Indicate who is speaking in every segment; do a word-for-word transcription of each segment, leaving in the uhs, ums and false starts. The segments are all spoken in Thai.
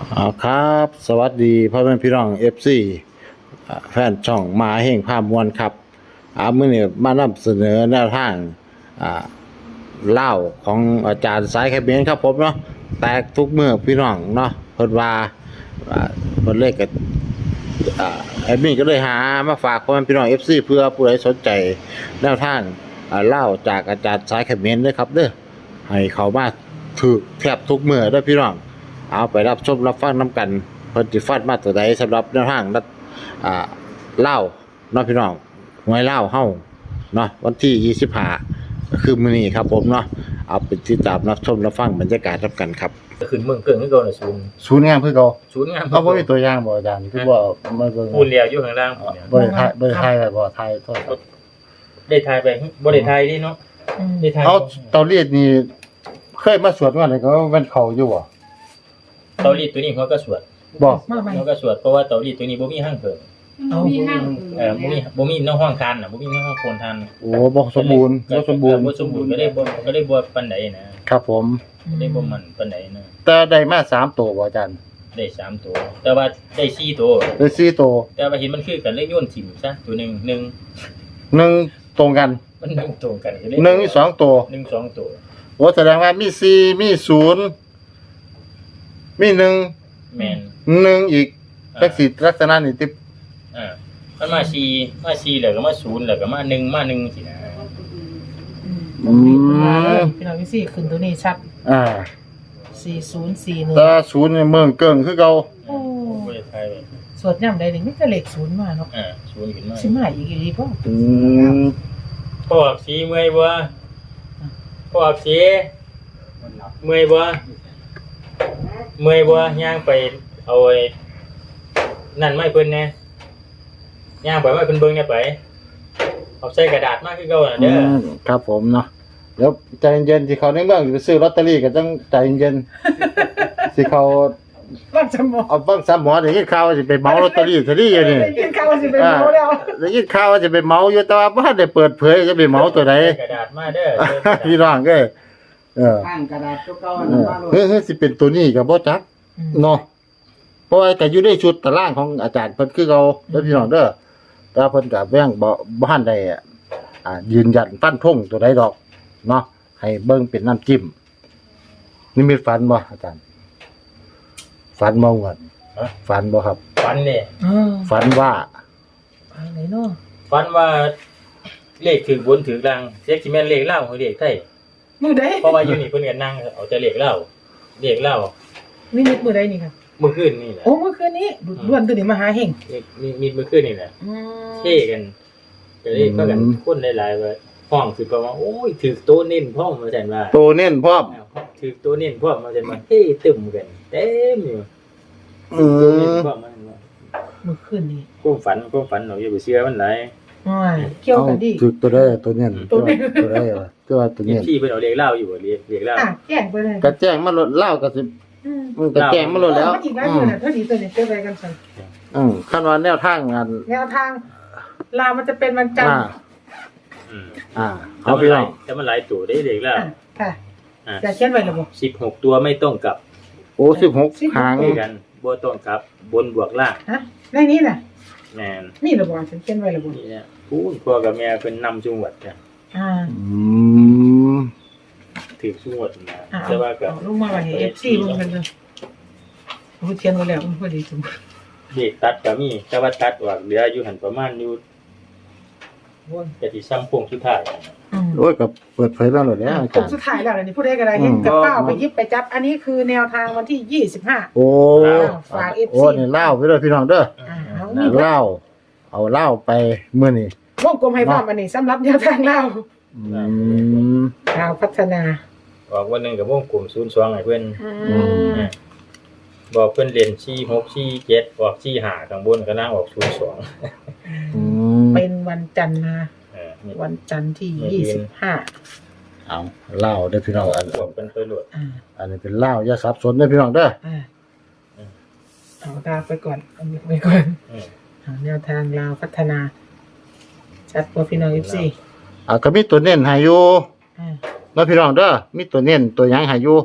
Speaker 1: อ๋อครับสวัสดีพ่อแม่พี่น้อง เอฟ ซี อ่าแฟนช่องมหาเฮงภาพมวลครับอ่ามื้อนี้มานำเสนอแนวทางอ่าเล่าของอาจารย์สายแคบเบนครับผมเนาะแตกทุกมื้อพี่น้องเนาะเพิ่นว่าอ่าเพิ่นเลขก็อ่าแอดมินก็เลยหามาฝากพ่อแม่พี่น้อง เอฟ ซี เพื่อผู้ใดสนใจแนวทางอ่าเล่าจากอาจารย์สายแคบเบนเด้อครับเด้อให้เข้ามาถูกแทบทุกมื้อเด้อพี่น้องเอาไปรับชมรับฟังนํกันเพิ่นสิฟันมาตัวใดสำหรับแนวทางรัฐอ่าเล่าเนาะพี่น้องหวยเล่าเฮาเนาะวันที่ยี่สิบห้าก็คือมื้อนี้ครับผมเนาะเอาไปติดตามรับชมรับฟังบรรยากาศรับกันครับ
Speaker 2: ขึ้นเมืองเกิงคือเก่าน่ะศูนย์
Speaker 1: ศูนย์งามคือเก่า
Speaker 2: ศูนย์งาม
Speaker 1: เอาบ่มีตัวอย่างบ่อาจารย์คือบ่มาเบิ่ง
Speaker 2: ปูนเรียวอยู่ข้างล่างผมเนี่ย
Speaker 1: บ่ได้ถ่ายบ่ได้ถ่ายไว้บ่ถ่ายโทษครับ
Speaker 2: ได้ทายไปบ่ได้ทายนี่เนาะได้ทาย
Speaker 1: เอาเตารีดนี่เคยมาสวดว่าอะไรก็มันเข้าอยู่บ่
Speaker 2: เตารีดตัวนี้เขาก็สวด
Speaker 1: บ่
Speaker 3: มาใหม่
Speaker 2: เขาก็สวดเพราะว่าเตารีดตัวนี้บ่มีห้างเพิ่ม
Speaker 3: เอามีห้าง
Speaker 2: เออบ่มีบ่มีน้องห้องทานน่ะบ่มีน้องห้องโคนทาน
Speaker 1: โอ้บ่สมบูรณ์บ่สมบูรณ์
Speaker 2: บ่สมบูรณ์ก็ได้บ่ก็ได้บ่ปานใดนะครับ
Speaker 1: ผม
Speaker 2: ได้บ่มันปานใดนะ
Speaker 1: แต่ได้มาสามตัวบ่อาจารย์
Speaker 2: ได้สามตัว แต่ว่าได้สี่ตัว
Speaker 1: ได้สี่ตัว
Speaker 2: แต่ว่าเห็นมันคือกันเลยโยนถิ่มซะตัวหนึงหนึ่ง
Speaker 1: หนึ่งตรงกัน
Speaker 2: มันหนึ่งตรงกันก็เลย
Speaker 1: หนึ่งมีสองตัว
Speaker 2: หนึ่งสองตัว
Speaker 1: โอ้แสดงว่ามีสี่มีศูนย์มีหนึ่ง
Speaker 2: แม่น
Speaker 1: หนึ่งอีกจักสิลักษณะนี่ติ
Speaker 2: อ่ามันมาสี่มาสี่แล้วก็มาศูนย์แล้วก็มาหนึ่งมาหนึ่งสินะ
Speaker 1: อืม
Speaker 3: พี่น้องพี่สี่ขึ้นตัวนี้ชัด
Speaker 1: อ่า
Speaker 3: สี่ศูนย์สี่หนึ่ง
Speaker 1: แต่ศูนย์นี่เมืองเกิงคือเก่า
Speaker 3: โอ้
Speaker 2: บ่ได้ทายไว้
Speaker 3: สวดย่ำใดหนึ่งไม่ก็เลขศูนย์มาเนาะ
Speaker 2: อ่าศูนย์ขึ้นมา
Speaker 3: สิมาอีกอีกพ่อ
Speaker 1: อืม
Speaker 2: พ่ออักสีเมื่อยบ่พ่ออักสีเมื่อยบ่เมื่อยบ่ย่างไปเอาไอ้นั่นไม้เพิ่นแน่ย่างไปไม้เพิ่นเบิ่งแน่ไปเอาใส่กระดาษมาคือเก่าน่ะเด้อ
Speaker 1: ครับผมเนาะเดี๋ยวใจเย็นๆสิเขาในเมืองสิไปซื้อลอตเตอรี่ก็ต้องใจเย็นๆสิเขา
Speaker 3: บ้านจำบอก
Speaker 1: เอาฟังซ้ำหมอได้ยินข่าวว่าสิไปเหมาลอตเตอรี่ซะดิอยู่นี่
Speaker 3: กินข้าวสิไปเมาแล้ว
Speaker 1: ได้ยินข่าวว่าจะไปเหมาอยู่แต่ว่าบ่ทันได้เปิดเผยจะไปเหมาตัวใด
Speaker 2: ใส่กระดาษมาเด้อ
Speaker 1: พี่น้องเอ้ยเออ
Speaker 4: ข้างกระดาษเก่าๆ
Speaker 1: เอ
Speaker 4: นั่น
Speaker 1: อ
Speaker 4: ว่าโลด
Speaker 1: เฮ้ยเฮ้ยสิเป็นตัวนี้ก็บ่จักเนาะเพราะว่าก็อยู่ในชุดตารางของอาจารย์เพิ่นคือเก่าเด้อพี่น้องเด้อแต่ว่าเพิ่นก็แว้งบ่บ่ทันได้อ่ายืนยันฟันธงตัวใดดอกเนาะให้เบิ่งเป็นน้ำจิ้มนี่มีฝันบ่อาจารย์ฝันบ่งวดฝันบ่ครับ
Speaker 2: ฝันนี่
Speaker 3: เออ
Speaker 1: ฝันว่า
Speaker 3: อะไรเนาะ
Speaker 2: ฝันว่าเลขถึงบนถึงล่างเสียสิแม่นเลขลาวหรือเลขไทย
Speaker 3: มือใด
Speaker 2: เพราะว่าอยู่นี่เพิ่นก็นั่งเอาแต่เลขลาวเลขลาว
Speaker 3: นี่นิดมือใดนี่ครับ
Speaker 2: เมื่อคืนนี่แหละ
Speaker 3: โอ้เมื่อคืนนี้ด่วนตัวนี้มาหาเฮง
Speaker 2: มีมีเมื่อคืนนี่แหละ
Speaker 3: อืม
Speaker 2: เท่กันก็เลยก็กันคนหลายๆว่าห้องคือเพราะว่าโอ้ยถือโตเน้นพ่อมมาแทนว่า
Speaker 1: โตเน้นพร้อม
Speaker 2: ถือโตเน้นพ่อมมาแทนว่าเฮ้ตึมกันเต็มอยู่
Speaker 1: เอ
Speaker 2: โตเน้น
Speaker 1: อ
Speaker 2: พ่อมมาแทนว่า
Speaker 3: เมื่อคืนนี้
Speaker 2: ความฝันความฝันเราอย่าไปเชื่อมันหลาย
Speaker 3: อ้ายเกี่ยวกันดิ
Speaker 1: ถึกตัวได้ตัวเน้น
Speaker 3: ตัวเน้น
Speaker 1: ตัวได้ว่าตัวว่าตัว
Speaker 2: เห็น
Speaker 1: เน้น
Speaker 2: พี่เพิ่นเอาเลขเล่าอยู่บ่เลขเลขเล่า
Speaker 3: อ่ะแจ้งไปเลย
Speaker 1: กระแจ้งมาลดเหล้าก็สิ
Speaker 3: อืม
Speaker 1: มันกระแจ้งมาลดแล้ว
Speaker 3: มันอีกแล้วอยู่น่ะเท่านี้ตัวนี้เก็บไว้กันสั่น
Speaker 1: อืมขั้นว่าแนวทางงาน
Speaker 3: แนวทางลาวมันจะเป็นวันจันท
Speaker 1: อ่า
Speaker 3: ร์
Speaker 2: อืม
Speaker 1: อ่า
Speaker 2: แต่
Speaker 1: เอา
Speaker 2: มัน
Speaker 1: พี่
Speaker 2: ห
Speaker 1: น้
Speaker 2: ลา
Speaker 1: อย ง
Speaker 2: แต่มันหลายตัวได้เลขเล่า
Speaker 3: อ่ะค่ะ
Speaker 2: อ่า
Speaker 3: จะเขียนไว้หรือเปล่า
Speaker 2: สิบหกตัวไม่ต้องกลับ
Speaker 1: โอ้สิบหก
Speaker 3: สิบหก
Speaker 1: หาง
Speaker 2: คือกันบ่ต้องกลับบนบวกล่าง
Speaker 3: ฮะในนี้น่ะ
Speaker 2: แม่น
Speaker 3: มีหรือเปล่าฉันเขียนไว้หรือเปล่า
Speaker 2: นี่เนี่ยพูนพ่อกับแม่เพิ่นนำจังหวัดจ้ะ
Speaker 3: อ่า
Speaker 1: อืม
Speaker 2: ถือจังหวัดนะ
Speaker 3: อ่า
Speaker 2: แต่ว่าก็
Speaker 3: เอาลงมาไว้ให้เอฟซีมันกันเลยพูดเขียนไว้แล้วมันพอดีจัง
Speaker 2: เด็กตัดก็มีแต่ว่าตัดออกเหลืออยู่หันประมาณอยู่วนก็สิซ้ำโค้งสุดท้าย
Speaker 3: อืม
Speaker 1: โอ้ยก็เปิดเผยมาหมดแล้วอา
Speaker 3: ผ
Speaker 1: จาม รย์
Speaker 3: สุดท้ายแล้วนี่พูดได้ก็ได้เห็นกับก้าวไปยิบไปจับ อันนี้คือแนวทางวันที่ยี่สิบห้า
Speaker 1: โอ้
Speaker 3: ฝาก
Speaker 1: โอ้
Speaker 3: เอฟซี
Speaker 1: นี่เหล้าไปเลยพี่น้องเด้อ
Speaker 3: อ่าเอามี
Speaker 1: เหล้าเอาเหล้าไปมื้อนี้
Speaker 3: วงกลมให้พร้อมอันนี้สำหรับแนวทางเรา
Speaker 1: อืม
Speaker 3: เราพัฒนา
Speaker 2: ออกวันหนึงก็วงกลุ่มศูนย์สองให้เพิ่น
Speaker 3: อื
Speaker 1: อื
Speaker 3: ม
Speaker 2: อ่าบอกเพิ่นเรียนสี่หก สี่เจ็ดออกสี่ห้าข้างบนก็นั่งออกศูนย์สอง
Speaker 1: อืม
Speaker 3: เป็นวันจันทร์นะ
Speaker 2: เออนี่
Speaker 3: วันจันทร์ที่
Speaker 2: ไม่
Speaker 3: ยี่
Speaker 2: เห็
Speaker 3: สิ
Speaker 2: น
Speaker 3: บห้า
Speaker 1: เอาเหล้าเด้อพี่น้องอัน
Speaker 2: บวกเป็นไปโหลด
Speaker 3: อ่า
Speaker 1: อันนี้เป็นเหล้าอย่าสับสนเด้อพี่น้องเด้อ
Speaker 3: อ่าเอาตาไปก่อนเอาไปก่อน
Speaker 2: อืม
Speaker 3: เอาแนวทางเราพัฒนา ชัดกว่าพี่น้องเอฟซี
Speaker 1: อ่าก็มีตัวเน้นให้อยู่
Speaker 3: อ่า
Speaker 1: เนาะพี่น้องเด้อมีตัวเน้นตัวหยังให้อยู่
Speaker 3: อืม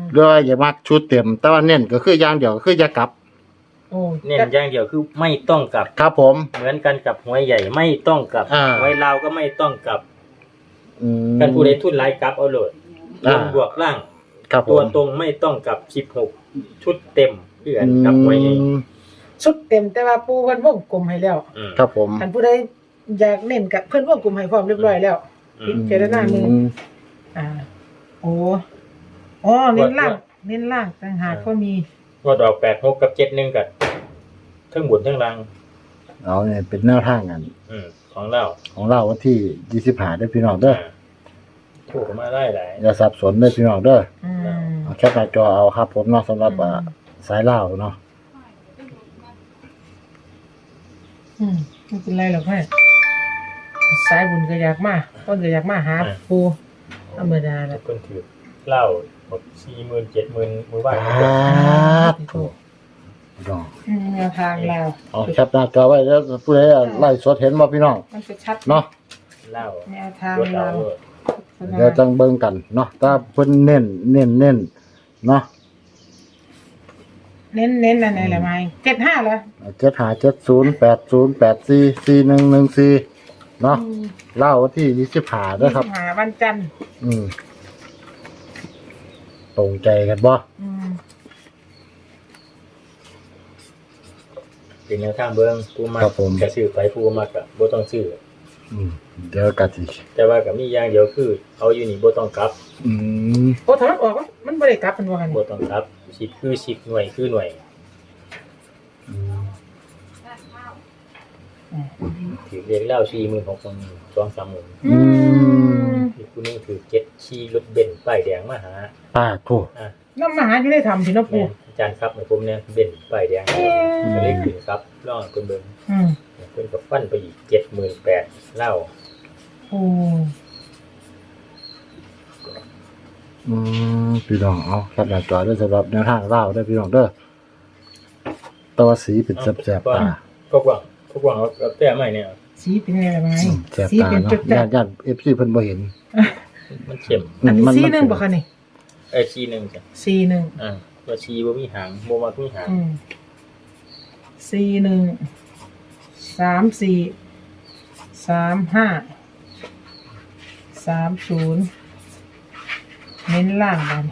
Speaker 1: หรือว่าอย่ามักชุดเต็ม แต่ว่าเน้นก็คืออย่างเดียวก็คืออย่ากลับ
Speaker 3: โอ้
Speaker 2: เน้นอย่างเดียวคือไม่ต้องกลับ
Speaker 1: ครับผม
Speaker 2: เหมือนกันกับหวยใหญ่ไม่ต้องกลับ
Speaker 1: อ่า
Speaker 2: หวยลาวก็ไม่ต้องกลับ
Speaker 1: อืม
Speaker 2: กันผู้ใดทุนหลายกลับเอาโหลดบ
Speaker 1: อ่า
Speaker 2: นบวกล่าง
Speaker 1: ครับผม
Speaker 2: ตัวตรงไม่ต้องกลับสิบหกชุดเต็มเพื่อนกับหวยใหญ่
Speaker 1: อืม
Speaker 3: ชุดเต็มแต่ว่าปูเพิ่นวงกลมให้แล้ว
Speaker 2: อืม
Speaker 1: ครับผม
Speaker 3: ท่านผู้ใดอยากเน้นกับเพิ่นวงกลมให้พร้อมเรียบร้อยแล้ว
Speaker 2: อืม
Speaker 3: พิจารณามืออ่า โอ้อ๋อเน้นล่างเน้นล่างต่างหากก็มี
Speaker 2: งวดออกแปดหกกับเจ็ดหนึ่งกับทั้งบนทั้งล่าง
Speaker 1: เอาเนี่ยเป็นแนวทางกัน
Speaker 2: อืมของเรา
Speaker 1: ของเราวันที่ยี่สิบห้าได้อพี่น้องเด้อ
Speaker 2: ถูกมาได้หลาย
Speaker 1: อย่าสับสนเด้อพี่น้องเด้อ
Speaker 3: อืม
Speaker 1: เอาแคปหน้าจอเอาครับผมเนาะสำหรับอ่าสายเล่าวเนาะ
Speaker 3: อืมไม่เป็นไรหรอกแม่สายบุญก็อยากมาต้นก็อยากมาหาปูธรรมดาแหละ
Speaker 2: คนถือเหล้าหมดสี่หมื่นเจ็ดหมื่นมือบ้าน
Speaker 1: อ่าถูกพี่น้อง
Speaker 3: อืมแนวทางเรา
Speaker 1: เอาแคปหน้าจอไว้แล้วผู้ใดไล่สดเห็นบ่พี่น้อง
Speaker 3: มันจะชัด
Speaker 1: เนาะ
Speaker 2: เหล้า
Speaker 3: แนวทาง
Speaker 2: รถ
Speaker 3: เรา
Speaker 2: เรา
Speaker 1: เดี๋ยวจังเบิ่งกันเนาะถ้าเพิ่นเน้นเน้นเน้นเนาะ
Speaker 3: เน้นเน้นอะไรแหละไม้เจ็ดห้าเหรอ
Speaker 1: เจ็ดห้าเจ็ดศูนย์แปดศูนย์แปดสี่สี่หนึ่งหนึ่งสี่เนาะเล่าวันที่ยี่สิบห้าเด้อครับ
Speaker 3: หาวันจันทร์
Speaker 1: อืมตรงใจกันบ่
Speaker 3: อืม
Speaker 2: เป็นแนวทางเบิ้งผู้มากกระซื้อไปผู้มากกับบ่ต้องซื้อ
Speaker 1: อืมเดี๋ยวกะสิ
Speaker 2: แต่ว่ากับมีอย่างเดียวคือเอาอยู่นี่บ่ต้องกลับ
Speaker 1: อืม
Speaker 3: โอ้ถ้ามันออกวะมันบริกลับเป็นว่ากัน
Speaker 2: บ่ต้องกลับสิบคือสิบหน่วยคือหน่วย
Speaker 1: อืม
Speaker 2: ถือเรียกเหล้าสี่หมื่นหกพันสองสามหมื่น
Speaker 3: อืม
Speaker 2: อีกผู้นึงถือเจ็ดขี่รถเบนซ์ป้ายแดงมาหา
Speaker 1: ป้าโท
Speaker 2: อ่ะ
Speaker 3: น้ำมหาอยู่ได้ทำสิเนาะปู
Speaker 2: แม่อาจารย์ครับในผมเนี่ยเบนซ์ป้ายแดงก็เลยขึ้นครับลองเพิ่นเบิ่ง
Speaker 3: อืม
Speaker 2: เพิ่นก็ฟันไปอีกเจ็ดหมื่นแปดเหล้า
Speaker 3: โอ้
Speaker 1: อืมพี่น้องเอาครับหน้าจอเด้อสำหรับแนวทางเล่าเด้อพี่น้องเด้อตัวสีเป็นแสบๆตา
Speaker 2: พวกว่างพวกว่างเอาแต่ใหม่เนี่ย
Speaker 3: สีเป็นไงล่ะไม้
Speaker 1: อืมแสบ
Speaker 3: สี
Speaker 1: ตา
Speaker 3: เป็น
Speaker 1: เนาะ
Speaker 3: จุด
Speaker 1: ญาติญาติ เอฟ ซี เพิ่นบ่เห็น
Speaker 2: มันเข้ม
Speaker 3: อันนี้
Speaker 1: มั
Speaker 3: สีหนึ่งบ่คะนี่
Speaker 2: เอ้ยชีหนึ่งจ้ะ
Speaker 3: สีหนึ่ง
Speaker 2: อ่าว่าชีบ่มีหางบ่มักมีหาง
Speaker 3: อืมสีหนึ่งสามสี่สามห้าสามศูนย์เน้นล่างกัน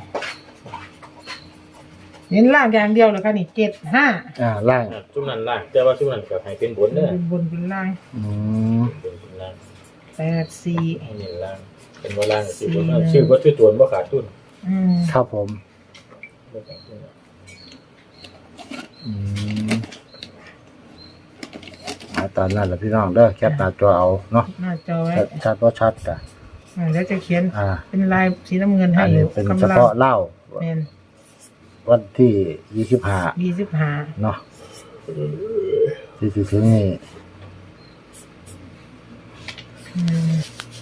Speaker 3: เน้นล่างอย่างเดียวเลยค่ะนี่เจ็ดห้า
Speaker 1: อ่าล่าง
Speaker 2: อ่าซุมนั้นล่างแต่ว่าซุมนั้นก็ให้เป็นบนเด้อ
Speaker 3: เป็นบนเป็นล่าง
Speaker 1: อืม
Speaker 2: เป็นบนล่าง
Speaker 3: แปดสี่
Speaker 2: ให้เน้นล่างเป็นว่าล่างสิบ่เอาชื่อบ่ชื่อตัวบ่ขาดทุน
Speaker 3: อืม
Speaker 1: ครับผม
Speaker 2: บ่ขาดทุน
Speaker 1: อืมเอาตามนั้นแหละพี่น้องเด้อแคปหน้าจอเอาเนาะ
Speaker 3: หน้าจอไว้
Speaker 1: ชัดชัดบ่ชัดจ้ะ
Speaker 3: อ่าแล้วจะเขียน
Speaker 1: อ่า
Speaker 3: เป็นลายสีน้ำเงินให้
Speaker 1: อัน
Speaker 3: อ
Speaker 1: นี้
Speaker 3: ยู่
Speaker 1: เป็น
Speaker 3: กำ
Speaker 1: เฉ
Speaker 3: ลัง
Speaker 1: พาะเล่า
Speaker 3: เป็น
Speaker 1: วันที่ยี่สิบห้า
Speaker 3: ยี่สิบห้า
Speaker 1: เนาะที่สิถึงนี่
Speaker 3: อืม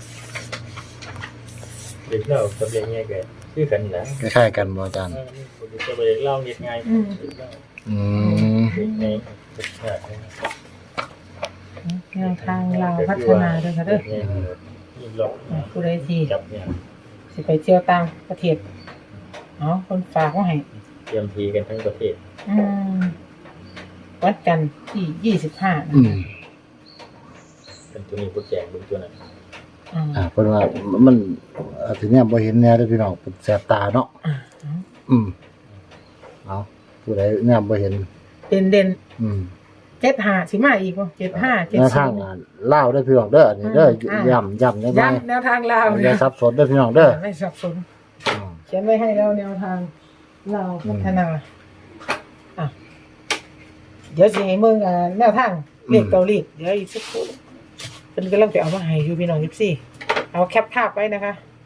Speaker 2: เด็กเรากับเด็กง่ายก็คือกันนะ
Speaker 1: คล้ายๆกันบ่อาจารย์
Speaker 2: เออนี่จะไปเล่าเฮ็ดง่ายเด็กเรา
Speaker 1: อืม
Speaker 2: เด็กในเด็กชาติ
Speaker 3: แนวทางเราวพัฒนาด้วยค่ะเด้อ
Speaker 2: นี่หลอก
Speaker 3: อ่าผู้ใดที่
Speaker 2: จับเนี่ย
Speaker 3: สิไปเที่ยวต่างประเทศเนาะคนฝากมาให้
Speaker 2: เตรียมทีกันทั้งประเทศ
Speaker 3: อืมวัดกันที่ยี่สิบห้า
Speaker 1: อืม
Speaker 2: เป็นตัวนี้โปรแจกเป็นตัวนั้น
Speaker 3: อืม
Speaker 1: อ่าเพิ่นว่ามันอาทีเนี้ยบ่เห็นแน่เด้อพี่น้องเป็นแสบตาเนาะ
Speaker 3: อ่า
Speaker 1: อืมเอาผู้ใดเนี่ยบ่เห็น
Speaker 3: เด่นเด่น
Speaker 1: อืม
Speaker 3: เจ็ดห้าสิมาอีกบ่เจ็ดห้าเจ็ด
Speaker 1: แนว
Speaker 3: ศู
Speaker 1: ทาง
Speaker 3: นย์
Speaker 1: งานเล่าได้อพี่น้องเด้ออันนี้เด้อ
Speaker 3: อ่า
Speaker 1: ย้ำย้ำได้ไหม
Speaker 3: ย้ำแนวทางลาว
Speaker 1: อย่าสับสนเด้อพี่น้องเด้อ
Speaker 3: ไม่สับสน
Speaker 1: อืม
Speaker 3: เขียนไว้ให้แล้วแนวทางเราวพัฒนาอ่ะเดี๋ยวสิให้เมืองอ่าแนวทางเรียกเกาหลีเดี๋ยวอีกสักครู่เป็นกำลังไปเอามาให้อยู่พี่น้องยิปซี่เอาแคปภาพไว้นะคะ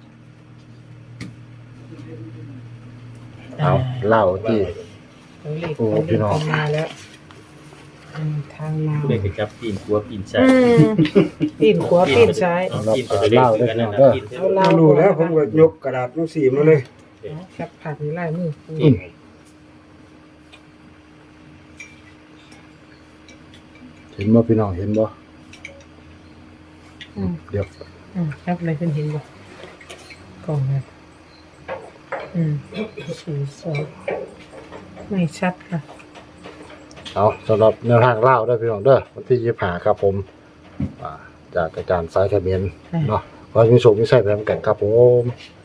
Speaker 1: เอาเล่าที่
Speaker 3: เกาหลี
Speaker 1: โอ้พี่น้อง
Speaker 3: มาแล้วอืมทางลาว
Speaker 2: ผู้ใดก็จับปีนหัวปีนใส่
Speaker 3: อืมปีนขวาปีนซ้าย
Speaker 2: เอาปีนไปเรื่อยๆกันนั่นน่ะปีน
Speaker 3: เอาลา
Speaker 4: เรา
Speaker 3: ว
Speaker 4: รู้แล้วผมก็ยกกระดาษหนังสือมาเลย
Speaker 3: เอาแคปภาพในลายมือ
Speaker 2: ปีน
Speaker 1: เห็นบ่พี่น้องเห็นบ่
Speaker 3: อืม
Speaker 1: เดี๋ยว
Speaker 3: อืมแคปอะไรขึ้นเห็นบ่กล่องนะอืมสี่สองไม่ชัดค่ะ
Speaker 1: เอาสำหรับแนวทางเล่าได้พี่น้องเด้อวันที่ยี่สิบห้าครับผมอ่าจากอาจารย์สายทะเบียนเนาะขอให้มีโชคมีชัยไปทำกันครับผม
Speaker 3: ค